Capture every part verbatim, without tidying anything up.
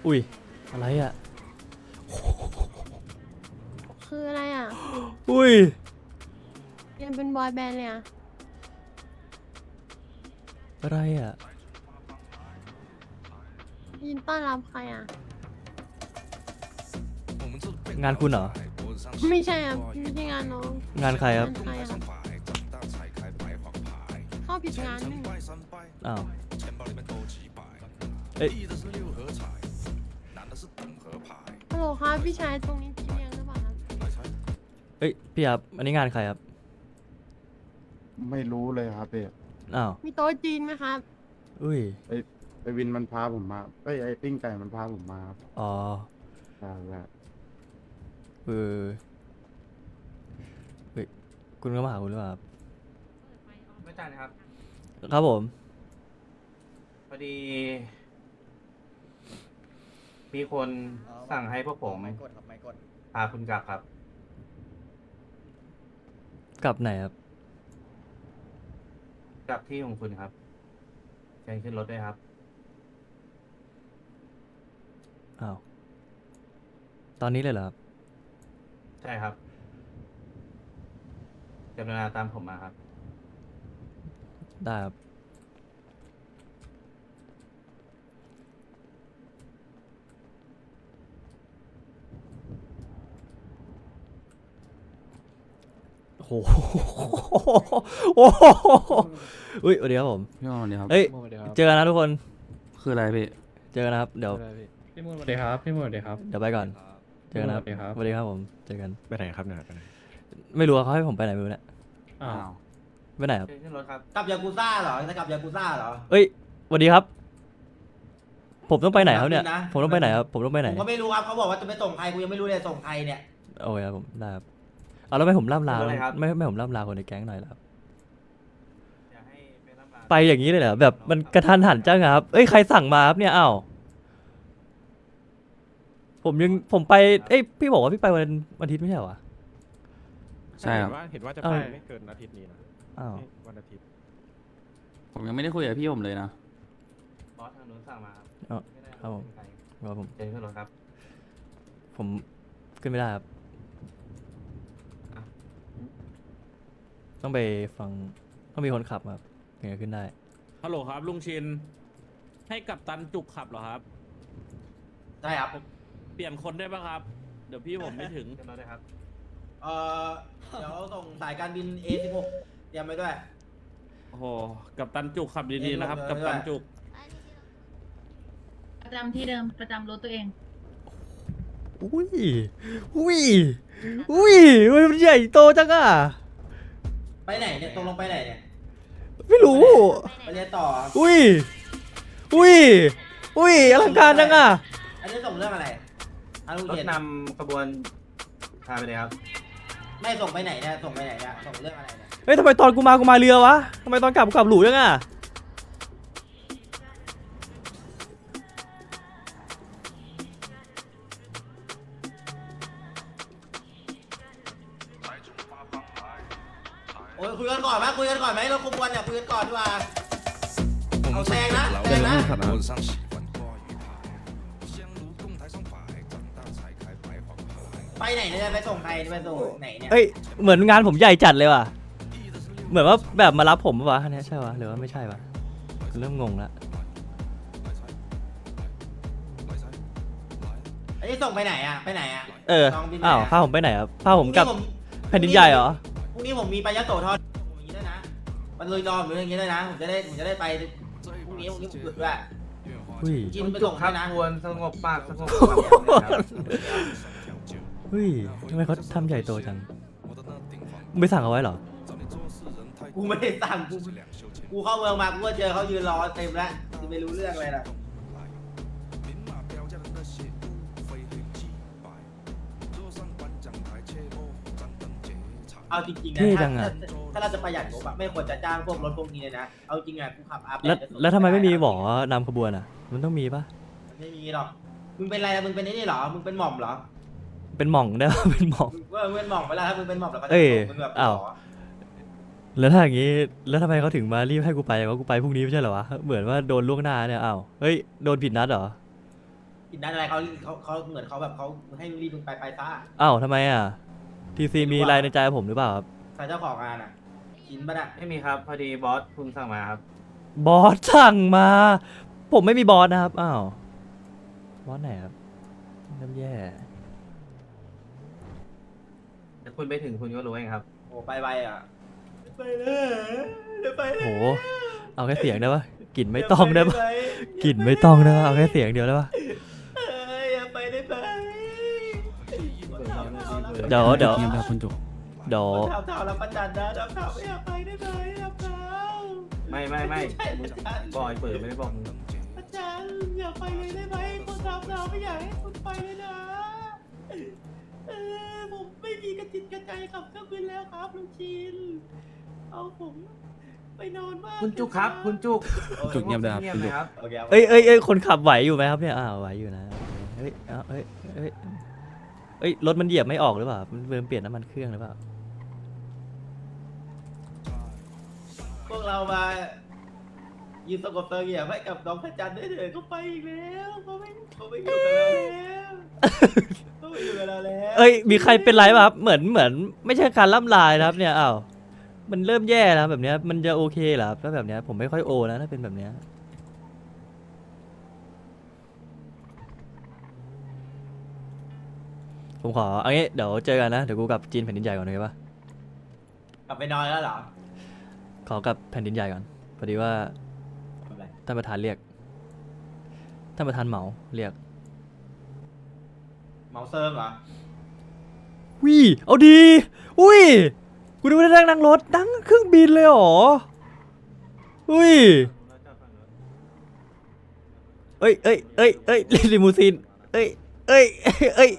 อุ้ยอะไรอ่ะคืออะไรอ่ะอุ้ยยังเป็นบอยแบนด์เลยอ่ะอะไรอ่ะยินต้อนรับใครอ่ะงานคุณเหรอไม่ใช่ครับไม่ใช่งานน้องงานใครครับงานใครอ่ะเข้าผิดงานนี่อ้าวเอ้ยฮัลโหลครับพี่ชายตรงนี้พี่เลี้ยงหรือเปล่าครับเอ้ยพี่ครับอันนี้งานใครครับไม่รู้เลยครับพี่อ้าวมีโต๊ะจีนไหมครับอุ้ยไอไอวินมันพาผมมาไอยไอปิ้งไก่มันพาผมมาครับอ๋อใช่ใช่เออเฮ้ยคุณก็มาหาคุณหรือเปล่าครับไม่จ่ายนะครับครับผมพอดี มีคนสั่งให้พวกผมไม่กดครับไม่กดพาคุณกลับครับกลับไหนครับกลับที่ของคุณครับเชิญขึ้นรถด้วยครับอ้าวตอนนี้เลยเหรอครับใช่ครับกรุณาตามผมมาครับได้ครับโอ้โหโอ้โหอุ้ยสวัสดีครับผมพี่มอนสวัสดีครับเอ้ยสวัสดีครับเจอกันนะทุกคนคืออะไรพี่เจอกันนะครับ เดี๋ยวพี่มูนสวัสดีครับ พี่มูนสวัสดีครับเดี๋ยวไปก่อน เจอกันนะครับสวัสดีครับสวัสดีครับผม เจอกันไปไหนครับเนี่ยไปไหนไม่รู้ว่าเขาให้ผมไปไหนไม่รู้เนี่ยอ้าวไปไหนครับเชิญขึ้นรถครับกลับยากูซ่าเหรอจะกลับยากูซ่าเหรอเอ้ยสวัสดีครับ ผมต้องไปไหนครับเนี่ยนะผมต้องไปไหนครับ ผมต้องไปไหนผมก็ไม่รู้ครับเขาบอกว่าจะไปส่งใครกูยังไม่รู้เลยส่งใครเนี่ยโอเคครับผม ได้ครับ เอาแล้วไม่ผมล่ำลาเป็นไรครับไม่ไม่ผมล่ำลาคนในแก๊งหน่อยเหรอครับอยากให้ไปรับงานไปอย่างนี้เลยเหรอ แบบมันกระทันหันจังอะครับ เอ้ย ใครสั่งมาครับเนี่ย อ้าว ผมยัง ผมไป เอ้ย พี่บอกว่าพี่ไปวันวันอาทิตย์ไม่ใช่เหรอวะใช่ครับเห็นว่าเห็นว่าจะเอ้าไปไม่เกินอาทิตย์นี้นะอ้าวนี่วันอาทิตย์ผมยังไม่ได้คุยกับพี่ผมเลยนะบอสทางนู้นสั่งมาครับอ๋อไม่ได้ครับผมเป็นใครว่าผมเชิญขึ้นรถครับผมขึ้นไม่ได้ครับอ่ะต้องไปฟัง ต้องมีคนขับครับถึงจะขึ้นได้ฮัลโหลครับลุงชิน ให้กับตันจุกขับเหรอครับใช่ครับเปลี่ยนคนได้ปะครับ เดี๋ยวพี่ผมไม่ถึงขึ้นรถด้วยครับเออเดี๋ยวส่งสายการบิน เอ สิบหก เตรียมไปด้วยโอ้โห กับตันจุกขับดีๆนะครับเอ็นลงเลยกับตันจุกประจำที่เดิมประจำรถตัวเองอุ้ย อุ้ย อุ้ยมันใหญ่โตจังอ่ะไปไหนเนี่ยตรงลงไปไหนเนี่ยไม่รู้ไปเรียนต่ออุ้ย อุ้ย อุ้ยอลังการจังอ่ะอันนี้ส่งเรื่องอะไรอารุรถเย็นนำขบวนพาไปเลยครับไม่ส่งไปไหนเนี่ยส่งไปไหนเนี่ยส่งเรื่องอะไรเนี่ยเฮ้ยทำไมตอนกูมากูมาเรือวะทำไมตอนกลับกูกลับหลูจังอ่ะโอ้ยคุยกันก่อนไหมคุยกันก่อนไหมเราขบวนเนี่ยคุยกันก่อนดีกว่าเอาแซงนะแซงนะไปไหนเนี่ยไปส่งใครไปส่งไหนเนี่ยเอ้ยเหมือนงานผมใหญ่จัดเลยว่ะ เหมือนว่าแบบมารับผมปะวะอันเนี้ยใช่ปะหรือว่าไม่ใช่ปะเริ่มงงละอันนี้ส่งไปไหนอ่ะไปไหนอ่ะเออลองบินไปอ้าวไหนพาผมไปไหนครับพาผมกลับพรุ่งแผ่นดินใหญ่เหรอพรุ่งนี้ผมมีไปยะโสธรผมอย่างนี้ด้วยนะมันเลยรอผมอย่างนี้ด้วยนะผมจะได้ผมจะได้ไปพรุ่งนี้พรุ่งนี้ผมหยุดด้วยอุ้ยกินไปจุส่กงครับด้วยนะควรสงบปากสงบคำครับอุ้ยทำไมเขาทำใหญ่โตจังมึงไปสั่งเอาไว้เหรอกูไม่ได้สั่งกูกูเข้าเมืองมากูก็เจอเขายืนรอเต็มแล้วจะไม่รู้เรื่องอะไรล่ะเอาจริงๆนะเท่จัถ้างอะถ้าเราจะประหยัดงบอะไม่ควรจะจ้างพวกรถพวกนี้เลยนะเอาจริงอะกูขับอัพแล้วแล้วทำไมไม่มีหมอนำขบวนอ่ะ มันต้องมีปะไม่มีหรอกมึงเป็นอะไรอะมึงเป็นไอ้นี่เหรอมึงเป็นหม่อมเหรอเป็นหม่องได้ปะ เป็นหม่องมึงว่ามึงเป็นหม่อมเวลาถ้ามึงเป็นหม่อมแล้วก็จะเอ้ยมึงแบบอ้าวหรอแล้วถ้าอย่างงี้ แล้วทำไมเขาถึงมารีบให้กูไปว่ากูไปพรุ่งนี้ไม่ใช่เหรอวะ เหมือนว่าโดนล่วงหน้าเนี่ย อ้าว เฮ้ย โดนผิดนัดเหรอกินได้อะไรเขาเขาเขาเหมือนเขาแบบเขาให้รีบมึงไปไปซ่าอ้าวทำไมอ่ะทีซีมีอะไรในใจผมหรือเปล่าครับใครเจ้าของงานอ่ะกินปะน่ะไม่มีครับ พอดีบอสเพิ่งสั่งมาครับบอสสั่งมา ผมไม่มีบอสนะครับอ้าวบอสไหนครับน้ำแย่แต่คุณไปถึงคุณก็รู้เองครับโอ้ไปไปอ่ะไปเลยเดี๋ยวไปเลยโหเอาแค่เสียงได้ปะกลิ่นไม่ต้องได้ปะกลิ่นไม่ต้องได้ปะเอาแค่เสียงเดียวได้ปะเอ้ยอย่าไปได้ไหมเดี๋ยวเดี๋ยวเงียบแบบคุณจุกเดี๋ยวทำเท้าแล้วประจันนะทำเท้าไม่อยากไปได้ไหมทำเท้าไม่ไม่ไม่ใช่ประจันบอยเปิดไม่ได้บอกมึงประจันอย่าไปเลยได้ไหมคนทำเท้าไม่อยากให้คุณไปเลยนะเออผมไม่มีกระจิตกระใจขับเครื่องบินแล้วครับลุงชินเอาผมไปนอนบ้านคุณจุกครับ คุณจุกจุกเงียบเลยครับเงียบคุณเลจุยกครับโอเคครับเอ้ยเอ้ยเอ้ยคนขับไหวอยู่ไหมครับเนี่ยอ้าวไหวอยู่นะเฮ้ยเอาเอ้ยเอ้ยเอ้ยรถมันเหยียบไม่ออกหรือเปล่ามันเริ่มเปลี่ยนน้ำมันเครื่องหรือเปล่าพวกเรามายืนสงบเสงี่ยมให้กับน้องพระจันทร์ได้เถิดเขาไปอีกแล้วเขาไม่เขาไม่อยู่กับเราแล้วเขาไม่อยู่กับเราแล้วเอ้ยมีใครเป็นไรป่ะครับเหมือนเหมือนไม่ใช่การล่ำลายนะครับเนี่ยอ้าวมันเริ่มแย่แล้วแบบเนี้ยมันจะโอเคเหรอครับถ้าแบบเนี้ยผมไม่ค่อยโอนะถ้าเป็นแบบเนี้ยผมขอเอางี้เดี๋ยวเจอกันนะเดี๋ยวกูกลับจีนแผ่นดินใหญ่ก่อนเลยปะกลับไปนอนแล้วเหรอขอกลับแผ่นดินใหญ่ก่อนพอดีว่าทำไรท่านประธานเรียกท่านประธานเหมาเรียกเมาเซิร์ฟเหรอวิเอาดีอุ้ยกูดูได้นั่งนั่งรถนั่งเครื่องบินเลยเหรออุ้ยเอ้ยเอ้ยเอ้ยเอ้ยลิมูซีนเอ้ยเอ้ยเอ้ย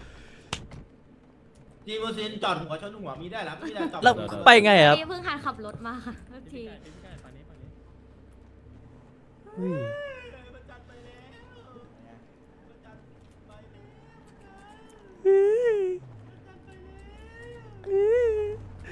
จีมูซินจอดหัวชนหัวมีได้แล้วไม่ได้จอดแล้วไปไงครับนี่เพิ่งหัดขับรถมาค่ะเมื่อทีอุ้ยประจันไปแล้วประจันไปแล้วประจันไปแล้ว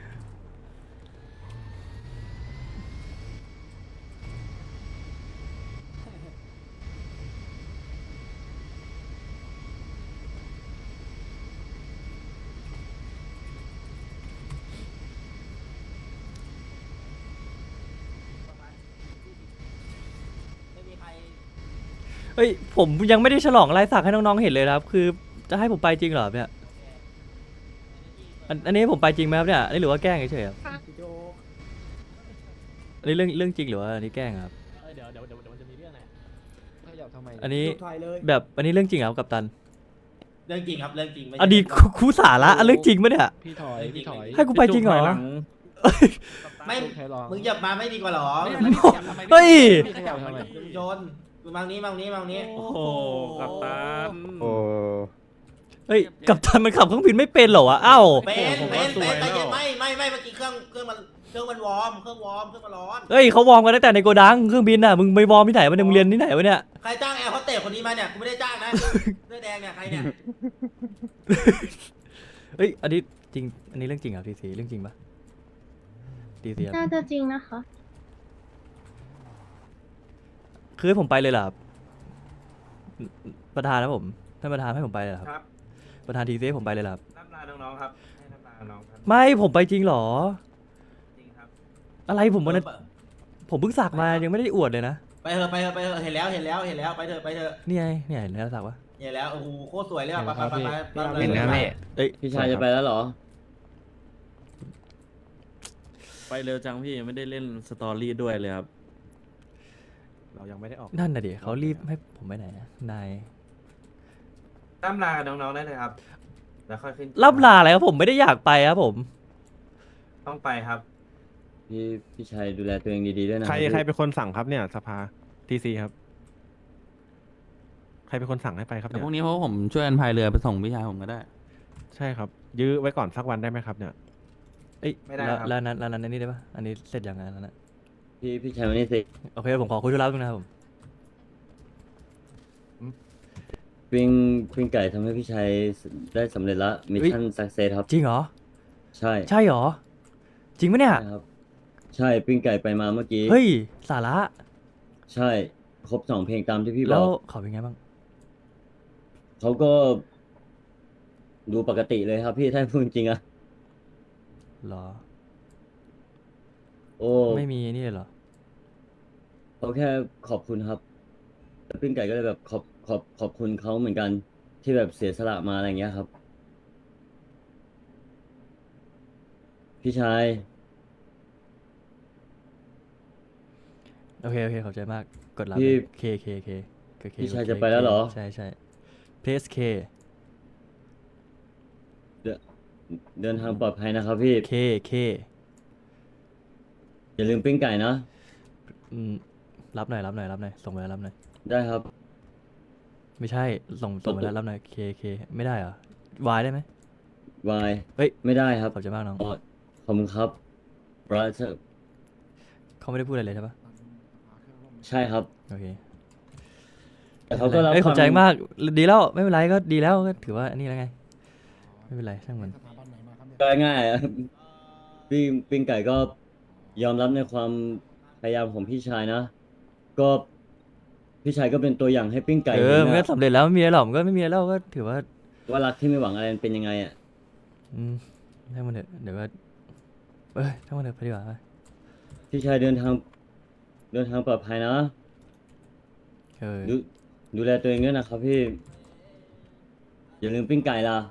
ไม่มีใครเฮ้ยผมยังไม่ได้ฉลองลายสักให้น้องๆเห็นเลยนะครับ คือจะให้ผมไปจริงเหรอเนี่ยอันอันนี้ผมไปจริงไหมครับเนี่ยอันนี้หรือว่าแกล้งเฉยๆครับอันนี้เรื่องเรื่องจริงหรือว่าอันนี้แกล้งครับเดี๋ยวเดี๋ยวเดี๋ยวมันจะมีเรื่องอะไรถ้าอยากทำไมอันนี้ถ่ายเลยแบบอันนี้เรื่องจริงเหรอครับกัปตันเรื่องจริงครับเรื่องจริงไม่ใช่อันนี้ครูครูสาระอันเรื่องจริงปะเนี่ยพี่ถอยพี่ถอยให้กูไปจริงเหรอไม่ใครลองมึงอย่ามาไม่ดีกว่าเหรอเฮ้ยพี่ขยับทำไมลุงโจนมึงมานี้มานี้มานี้โอ้โหกัปตันโอ้เฮ้ยกัปตันมันขับเครื่องบินไม่เป็นเหรอวะอ้าวเป็นผมเป็ว่าน สวยเป็นแต่แล้วไม่ไม่ไม่เมื่อกี้เครื่องเครื่องมันเครื่องมันวอร์มเครื่องวอร์มเครื่องมันร้อนเฮ้ยเขาวอร์มกันตั้งแต่ในโกดังเครื่องบินน่ะมึงไปวอร์มที่ไหนวะเนี่ยมึงเรียนที่ไหนวะเนี่ยใครจ้างแอร์โฮสเตสคนนี้มาเนี่ยกูไม่ได้จ้างนะเสื้อแดงเนี่ยใครเนี่ยเฮ้ยอันนี้จริงอันนี้เรื่องจริงเหรอทีซีเรื่องจริงปะทีซีน่าจะจริงนะคะคือให้ผมไปเลยเหรอครับประธานนะผมท่านประธานให้ผมไปเลยเหรอครับครับประธานทีซีให้ผมไปเลยเหรอครับรับลาน้องๆครับ ให้รับลาน้องๆครับไม่ผมไปจริงเหรอจริงครับอะไรผมวันนั้นผมเพิ่งสักมายังไม่ได้อวดเลยนะไปเถอะไปเถอะไปเถอะเห็นแล้วเห็นแล้วเห็นแล้วไปเถอะไปเถอะนี่ไงเนี่ยเห็นแล้วสักวะเห็นแล้วโอ้โหโคตรสวยเลยอ่ะไปไปไปไปไปเห็นนะพี่เอ้ยพี่ชายจะไปแล้วเหรอไปเร็วจังพี่ยังไม่ได้เล่นสตอรี่ด้วยเลยครับเรายังไม่ได้ออกนั่นน่ะดิเขารีบให้ผมไปไหนอะนายรับลาน้องๆได้เลยครับ แล้วค่อยขึ้นรับลาอะไรครับผมไม่ได้อยากไปครับผมต้องไปครับพี่พี่ชายดูแลตัวเองดีๆด้วยนะใครพี่ใครเป็นคนสั่งครับเนี่ยสภาทีซีครับ ใครเป็นคนสั่งให้ไปครับแต่เนี่ยพรุ่งนี้เพราะว่าผมช่วยกันพายเรือไปส่งพี่ชายผมก็ได้ใช่ครับ ยื้อไว้ก่อนสักวันได้ไหมครับเนี่ยเอ้ยไม่ได้แล้วครับแล้วนั้นแล้วนั้นอันนี้ได้ปะอันนี้เสร็จยังไงแล้วนะพี่พี่ชายวันนี้สิโอเคผมขอคุยธุระตรงนะครับผมปิ้งปิ้งไก่ทำให้พี่ชายได้สำเร็จละมิชชั่นสักเซสครับจริงเหรอใช่ใช่เหรอจริงปะเนี่ยใช่ครับ ใช่ปิ้งไก่ไปมาเมื่อกี้เฮ้ยสาระใช่ ครบสองเพลงตามที่พี่บแล้อวกเขาเป็นไงบ้างเขาก็ดูปกติเลยครับพี่ถ้าพูดจริงๆอะเหรอโอ้ไม่มีนี่เลยเหรอเขาแค่ขอบคุณครับแต่ปิ้งไก่ก็เลยแบบขอบขอบขอบคุณเขาเหมือนกัน ที่แบบเสียสละมาอะไรอย่างเงี้ยครับ พี่ชายโอเคโอเคขอบใจมากกดรับพี่เคเคเคเคเคพี่ชายเคจะไปแล้วเหรอใช่ใช่เพสเคเดินทางปลอดภัยนะครับพี่เคเคอย่าลืมปิ้งไก่นะอืมรับหน่อยรับหน่อยรับหน่อยส่งไปแล้วรับหน่อยได้ครับไม่ใช่ส่งส่งไปแล้วรับหน่อยเคเคไม่ได้เหรอวายได้ไหมวายเฮ้ยไม่ได้ครับขอบใจมากน้องอ๋อขอบคุณครับบราเธอร์เขาไม่ได้พูดอะไรเลยใช่ปะใช่ครับโอเคแต่เขาก็รับเอ้ยขอบใจฟังมากดีแล้วไม่เป็นไรก็ดีแล้วก็ถือว่าอันนี้แล้วไง ไม่เป็นไรช่างมันก็ง่ายๆอะปิ้งปิ้งไก่ก็ยอมรับในความพยายามของพี่ชายนะ ก็พี่ชายก็เป็นตัวอย่างให้ปิ้งไก่เอเห็อน มันก็นะสำเร็จแล้วไม่มีอะไรหรอกมันก็ไม่มีอะไรแล้วก็ถือว่าว่ารักที่ไม่หวังอะไรมันเป็นยังไงอ่ะอืมช่างมันเถอะเดี๋ยวก็เอ้ยช่างมันเถอะไปดีกว่าไปพี่ชายเดินทาง เดินทางปลอดภัยนะเออดูดูแลตัวเองด้วยนะครับพี่ อย่าลืมปิ้งไก่ล่ะ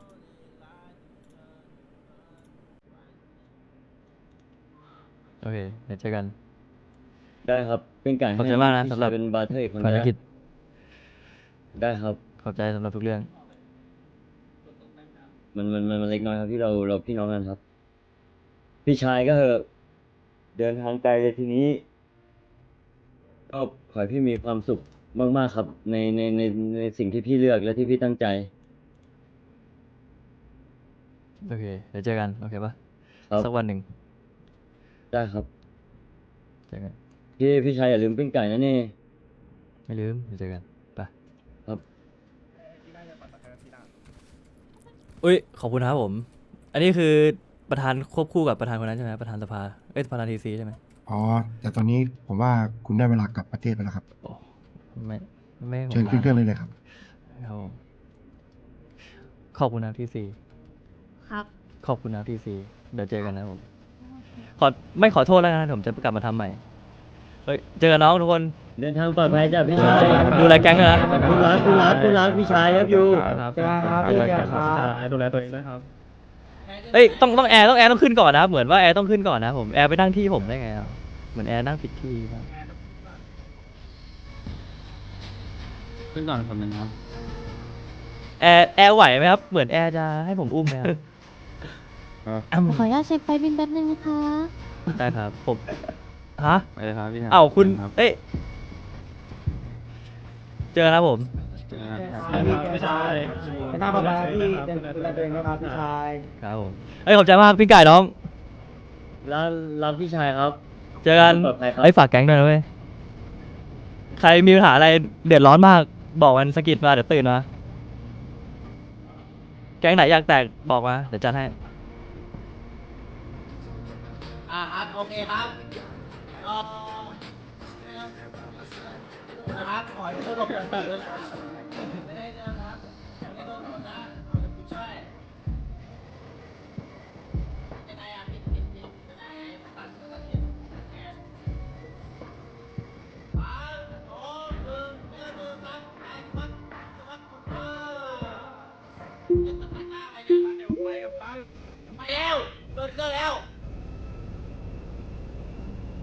โอเคเดี๋ยวเจอกันได้ครับปิ้งไก่ขอบใจมากนะพี่สำหรับชายเป็นบาร์เทอร์อีกคนภารนะกิจได้ครับขอบใจสำหรับทุกเรื่องมันมันมันมันเล็กน้อยครับที่เราเราพี่น้องกันครับ พี่ชายก็เถอะเดินทางไกลเลยทีนี้ ก็ขอให้พี่มีความสุขมากๆครับ ในในในในสิ่งที่พี่เลือกและที่พี่ตั้งใจโอเคเดี๋ยวเจอกันโอเคปะครับสักวันหนึ่งได้ครับเจอกันพี่พี่ชายอย่าลืมปิ้งไก่นะนี่ไม่ลืมเดี๋ยวเจอกันไปครับอุ้ยขอบคุณครับผม อันนี้คือประธานควบคู่กับประธานคนนั้นใช่ไหมประธานสภาเอ้ยประธานทีซีใช่ไหมอ๋อ แต่ตอนนี้ผมว่าคุณได้เวลากลับประเทศไปแล้วครับโอ้ไม่ไม่ให้ผมเชิญขึ้นเครื่องเลยเลยครับครับผมขอบคุณนะทีซีครับขอบคุณนะทีซีเดี๋ยวเจอกันนะผมขอไม่ขอโทษแล้วนะผมจะกลับมาทำใหม่เฮ้ยเจอกันน้องทุกคนเดินทางปลอดภัยจ้ะพี่ชายดูแลแก๊งด้วยนะคุณรักคุณรักคุณรักพี่ชายครับอยู่ครับดูแลตัวเองด้วยครับเอ้ยต้องต้องแอร์ต้องแอร์ต้องขึ้นก่อนนะครับเหมือนว่าแอร์ต้องขึ้นก่อนนะผมแอร์ไปนั่งที่ผมได้ไงอ่ะเหมือนแอร์นั่งผิดที่ครับขึ้นก่อนคนหนึ่งครับแอร์แอร์ไหวไหมครับเหมือนแอร์จะให้ผมอุ้มไหมครับอ้ำขออนุญาตเช็คไฟบินแป๊บนึงนะคะได้ครับผมฮะไปเลยครับพี่ชายเอ้าคุณครับเอ้ยเจอกันนะผมเจอกันครับพี่ชายไปหน้าประมาพี่เป็นตัวเองนะครับพี่ชายครับผมเอ้ยขอบใจมากพี่ไก่น้องรักรักพี่ชายครับเจอกันปลอดภัยครับไอ้ยฝากแก๊งด้วยนะเว้ยใครมีปัญหาอะไรเดือดร้อนมากบอกมันสะกิดมาเดี๋ยวตื่นมาแก๊งไหนอยากแตกบอกมาเดี๋ยวจัดให้อ่าครับโอเคครับเอ่อนะครับขอให้ทุกคนเปิดเลยไม่ได้นะครับไม่ต้องกดนะผู้ช่วยยังไงอ่ะผิดผิดผิดยังไงตัดตัดผิดสามสองหนึ่งหนึ่งหนึ่งสามแปดมัดมัดเออจะตัดหน้าไปเนี่ยมาเดี๋ยวไปกับไปไปแล้วเกิดเกิดแล้ว